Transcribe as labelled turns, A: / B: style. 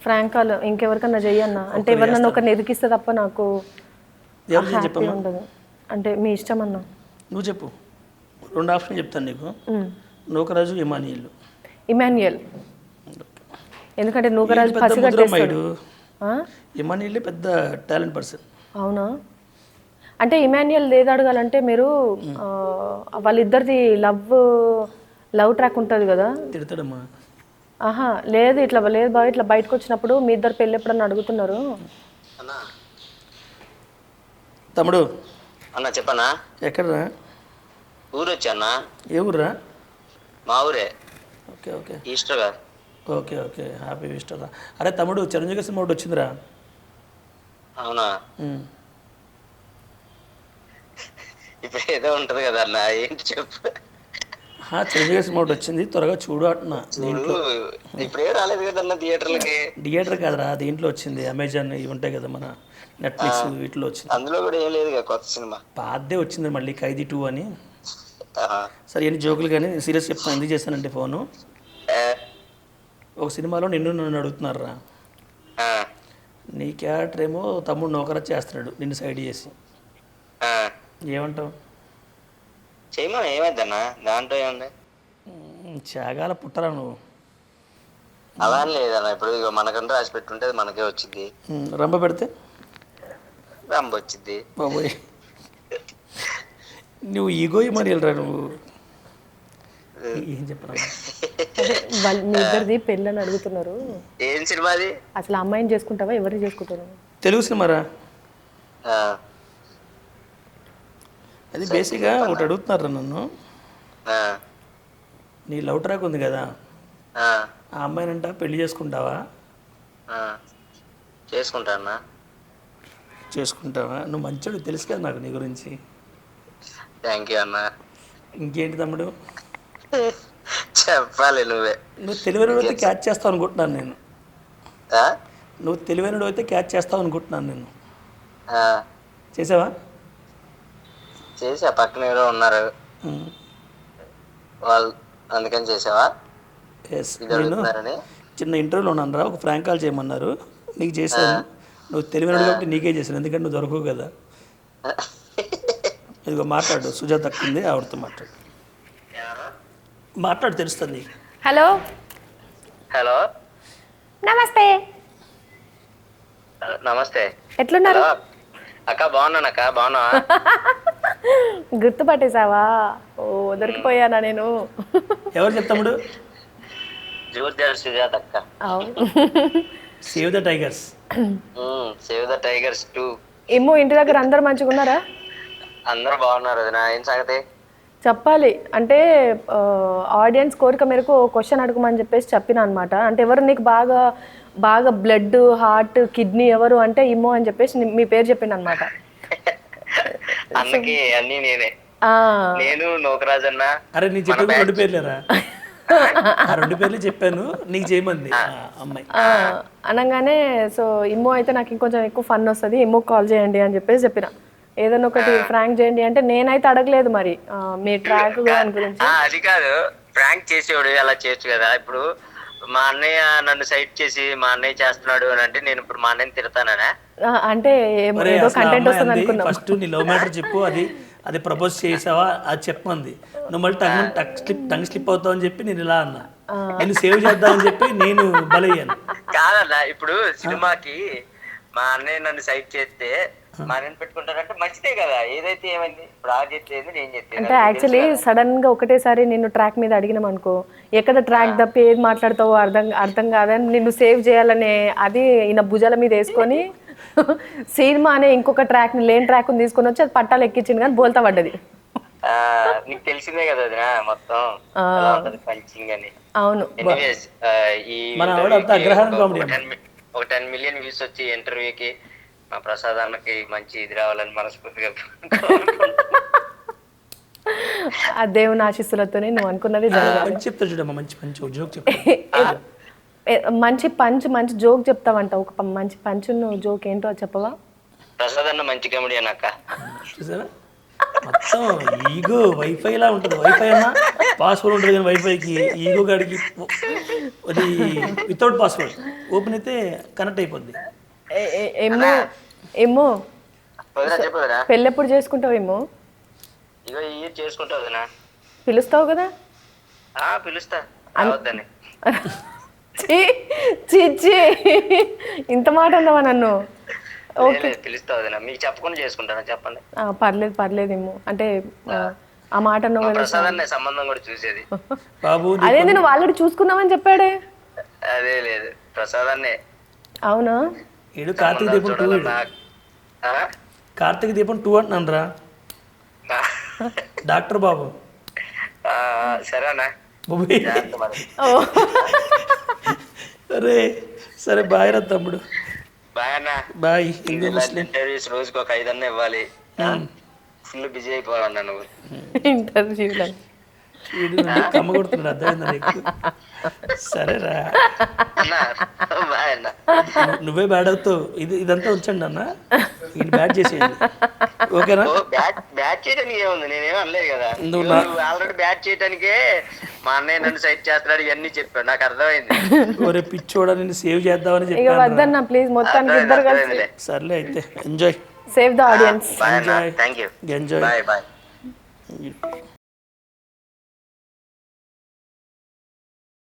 A: Prank call ఇంకెవరికన్నా చెయ్యన్నా అంటే ఎవరినన్నా ఒకరిని ఎదికిస్తే తప్ప నాకు హ్యాపీ ఉండదు. అంటే మీ ఇష్టం అన్నా.
B: నువ్వు చెప్పు, 2 ఆప్షన్ చెప్తాను నీకు. నూకరాజు, ఇమానియల్.
A: ఇమాన్యుయల్, ఎందుకంటే నూకరాజు పసిగట్టేస్తాడు.
B: ఇమానియల్ పెద్ద టాలెంట్ పర్సన్.
A: అవునా? అంటే ఇమాన్యుయల్ ఏది అడగాలంటే మీరు వాళ్ళిద్దరిది లవ్ ట్రాక్ ఉంటుంది కదా.
B: తిడతాడమ్మా.
A: ఆహా లేదు, ఇట్లా లేదు బాగా, ఇట్లా బయటకు వచ్చినప్పుడు మీ ఇద్దరు పెళ్ళి ఎప్పుడన్నా అడుగుతున్నారు.
B: తమ్ముడు
C: అన్న చెప్పన్నా.
B: ఎక్కడరా?
C: ఊరు వచ్చా.
B: ఏ ఊర్రా?
C: మా ఊరే.
B: Okay okay.
C: ఈస్టర్ గా.
B: ఓకే ఓకే, హ్యాపీ ఈస్టర్ రా. అరే తమ్ముడు, చిరంజీవి సినిమా ఒకటి వచ్చిందిరా.
C: అవునా? ఇప్పుడు ఏదో ఉంటది కదా అన్న, ఏంటి చెప్పు.
B: చిరంజీవి సినిమా ఒకటి వచ్చింది, త్వరగా చూడు అంటున్నా. దీంట్లో
C: ఇప్పుడే రాలేదు కదన్న థియేటర్లకి.
B: థియేటర్ కాదురా, దీంట్లో వచ్చింది. అమెజాన్ ఇవి ఉంటాయి కదా, మన నెట్ఫ్లిక్స్ వీటిలో వచ్చింది.
C: అందులో కూడా ఏం లేదు కొత్త సినిమా.
B: పాతదే వచ్చింది మళ్ళీ, ఖైదీ 2 అని. సరే ఎన్ని జోకులు కానీ సీరియస్ చెప్తాను. ఎందుకు చేస్తానంటే ఫోను, ఒక సినిమాలో నన్ను అడుగుతున్నారా, నీ క్యారెక్టర్ ఏమో తమ్ముడు నౌకరా చేస్తున్నాడు నిన్ను సైడ్ చేసి, ఏమంటావు?
C: చేయమా, ఏమైందన్నా దాంట్లో ఏముంది?
B: త్యాగాల పుట్టరా నువ్వు.
C: అలా అని లేదన్న, ఇప్పుడు ఇక మనకంటూ రాసి పెట్టుంటే మనకే వచ్చింది.
B: రంబ పెడితే
C: రంబ వచ్చింది.
B: బాబోయ్, నువ్వు ఈగో మరి వెళ్ళరా నువ్వు. ఏం చెప్పరా?
A: వాళ్ళు మీ ఇద్దరిది పెళ్ళి అని అడుగుతున్నారు.
C: ఏం సినిమా అది?
A: అసలు అమ్మాయిని చేసుకుంటావా, ఎవరిని చేసుకుంటారు?
B: తెలుగు సినిమారా అది. బేసిక్గా ఒకటి అడుగుతున్నారా నన్ను, నీ లవ్ ట్రాక్ ఉంది కదా, ఆ అమ్మాయినంట పెళ్లి చేసుకుంటావా?
C: చేసుకుంటా.
B: చేసుకుంటావా? నువ్వు మంచోడు, తెలుసు కదా నాకు నీ గురించి.
C: థ్యాంక్ యూ అన్న.
B: ఇంకేంటి తమ్ముడు
C: చెప్పాలి నువ్వే.
B: నువ్వు తెలివైనడు అయితే క్యాచ్ చేస్తావు అనుకుంటున్నాను నేను. నువ్వు తెలివైనడు అయితే క్యాచ్ చేస్తావు అనుకుంటున్నాను నేను. చేసావా?
C: చేసా, పక్కన ఎవరో ఉన్నారు వాళ్ళు, అందుకని చేసావా?
B: ఎస్, నేను చిన్న ఇంటర్వ్యూలో ఉన్నాను రా, ఒక ఫ్రాంక్ కాల్ చేయమన్నారు, నీకు చేశాను. నువ్వు తెలివైనడు కాబట్టి నీకే చేశాను, ఎందుకంటే నువ్వు దొరకవు కదా. ఇదిగో మాట్లాడు, సుజాత తక్కింది, ఆవిడతో మాట్లాడు తెలుస్తుంది.
A: హలో
C: హలో,
A: నమస్తే.
C: నమస్తే,
A: ఎట్లున్నారు
C: అక్క? బాగున్నాను అక్క, బాగున్నా.
A: గుర్తుపట్టేశావా? ఓ దొరికిపోయానా నేను.
B: ఎవరు చెప్తాముడు?
C: సుజాత అక్క.
B: Save the tigers.
C: Save the tigers 2.
A: ఏమో ఇంటి దగ్గర అందరు మంచిగా ఉన్నారా?
C: అందరూ బాగున్నారు. అది నా ఏం సంగతి
A: చెప్పాలి అంటే, ఆడియన్స్ కోరిక మేరకు క్వశ్చన్ అడగమని చెప్పేసి చెప్పిన అనమాట. అంటే ఎవరు నీకు బాగా బాగా బ్లడ్, హార్ట్, కిడ్నీ ఎవరు అంటే ఇమ్మో అని చెప్పేసి మీ పేరు చెప్పిండు అనమాట.
C: అన్నకి అన్ని నేనే. నేను నూకరాజు అన్న.
B: అరే నీ చెప్పి 2 పేర్లేరా? 2 పేర్లు చెప్పాను నీకు చేయమంది అమ్మాయి
A: అనగానే. సో ఇమ్మో అయితే నాకు ఇంకొంచెం ఎక్కువ ఫన్ వస్తుంది, ఇమ్మో కాల్ చేయండి అని చెప్పేసి చెప్పిన. ఏదైనా ఒకటి ఫ్రాంక్ చేయండి అంటే నేనైతే అడగలేదు మరి మీ ట్రాక్ గురించి.
C: అది కాదు, ఫ్రాంక్ చేసేవాడు అలా చేయొచ్చు కదా. ఇప్పుడు మా అన్నయ్య నన్ను సైట్ చేసి మా అన్నయ్య చేస్తున్నాడు అని అంటే నేను ఇప్పుడు మా అన్నయ్యని తిడతానా?
A: అంటే ఏదో కంటెంట్ వస్తుంది అనుకున్నా.
B: ఫస్ట్ నీ లవ్ మ్యాటర్ చెప్పు, అది ప్రపోజ్ చేసావా అది చెప్పమంది. నువ్వు మళ్ళీ టంగ్ స్లిప్ అవుతావు అని చెప్పి నేను ఇలా అన్నా, నేను సేవ్ చేద్దామని చెప్పి నేను బలయ్యాను.
C: కాదన్నా, ఇప్పుడు సినిమాకి మా అన్నయ్య నన్ను సైట్ చేస్తే మా అన్నయ్యని పెట్టుకుంటారంటే మంచిదే కదా. ఏదైతే ఏమైంది, ఇప్పుడు ఆ చెప్పేది నేను చెప్పేది.
A: అంటే యాక్చువల్లీ సడన్ గా ఒకటేసారి నిన్ను ట్రాక్ మీద అడిగినాం అనుకో, ఎక్కడ ట్రాక్ తప్పి ఏది మాట్లాడతావో అర్థం కాదని నిన్ను సేవ్ చేయాలనే అది ఈయన భుజాల మీద వేసుకొని సినిమా అనే ఇంకొక ట్రాక్ లేని ట్రాక్ తీసుకొని వచ్చి అది పట్టాలు ఎక్కించింది కానీ బోల్తా పడ్డది.
C: నీకు తెలిసిందే కదా అది మొత్తం పంచింగ్ అని.
A: అవును.
C: ఒక 10 మిలియన్ వ్యూస్ వచ్చి ఇంటర్వ్యూకి మా ప్రసాద్ అన్నకి మంచి ఇది రావాలని మనస్ఫూర్తిగా
A: ఆ దేవుని ఆశీస్సులతోనే నువ్వు అనుకున్నది
B: చెప్తా చూడమ్మా. మంచి జోక్ చెప్తా.
A: మంచి జోక్ చెప్తావంట. ఒక మంచి పంచు జోక్ ఏంటో చెప్పవా?
C: ప్రసాద్ అన్న మంచి కామెడీ అన్నాక.
B: చూసారా, మొత్తం ఈగో వైఫైలా ఉంటుంది. వైఫై అన్నా పాస్వర్డ్ ఉంటుంది కానీ వైఫైకి ఈగో గాడికి అది వితౌట్ పాస్వర్డ్ ఓపెన్ అయితే కనెక్ట్ అయిపోద్ది.
A: ఏమో ఏమో
C: వదినా చెప్పు వదినా.
A: పెళ్ళి ఎప్పుడు చేసుకుంటావేమో?
C: ఇగో ఈ చేసుకుంటావు వదినా.
A: పిలుస్తావు కదా?
C: పిలుస్తా రావద్దని.
A: ఛీ, ఛీ, ఛీ. ఇంత మాట అన్నావా నన్ను? ఓకే
C: పిలుస్తా వదినా. మీకు చెప్పకుండా చేసుకుంటానా చెప్పండి.
A: పర్లేదు పర్లేదేమో అంటే ఆ మాట అన్నావు కదా.
C: ప్రసాద్ అనే సంబంధం కూడా చూసేది.
B: బాబు
A: అదే నేను ఆల్రెడీ చూసుకున్నామని చెప్పాడే.
C: అదే లేదు ప్రసాదాన్నే.
A: అవునా?
B: ఏడు కార్తీక దీపం 2 కార్తీక దీపం 2 అంటున్నాను రా డాక్టర్ బాబు.
C: సరేనా
B: బాబోయ్.
C: జాగ్రత్త మరి.
B: అరే సరే బాయ్ రా తమ్ముడు.
C: బాయ్ అన్న.
B: బాయ్. హిందూ ముస్లిం
C: ఇంటర్వ్యూస్ రోజుకి ఒక 5 అన్న ఇవ్వాలి. ఫుల్ బిజీ అయిపోవాలన్నా నువ్వు
A: ఇంటర్వ్యూలో.
B: కమ్మ కొడుతున్నాడు అర్థమైందా నీకు? సరేరా
C: అన్నా. బాయ్ అన్న.
B: నువ్వే బ్యాడ్ అవుతావు. ఇదంతా ఉంచండి అన్న, ఇది బ్యాడ్ చేసేయండి ఓకేనా?
C: బ్యాట్ చేయడానికి ఏముంది, నేనేం అనలేదు కదా.
B: నువ్వు
C: నువ్వు ఆల్రెడీ బ్యాట్ చేయడానికే మా అన్నయ్య నన్ను సైట్ చేస్తున్నాడు ఇవన్నీ చెప్పాడు, నాకు అర్థమైంది.
B: ఒరే పిచ్చోడా నిన్ను సేవ్ చేద్దామని
A: ఇక
B: చెప్పాను.
A: వద్దన్నా ప్లీజ్, మొత్తానికి ఇద్దరు కలిసి
C: అర్థమైందిలే.
B: సర్లే అయితే enjoy.
A: Save the audience.
C: Bye అన్న. Thank you.
B: Enjoy.
C: Bye bye.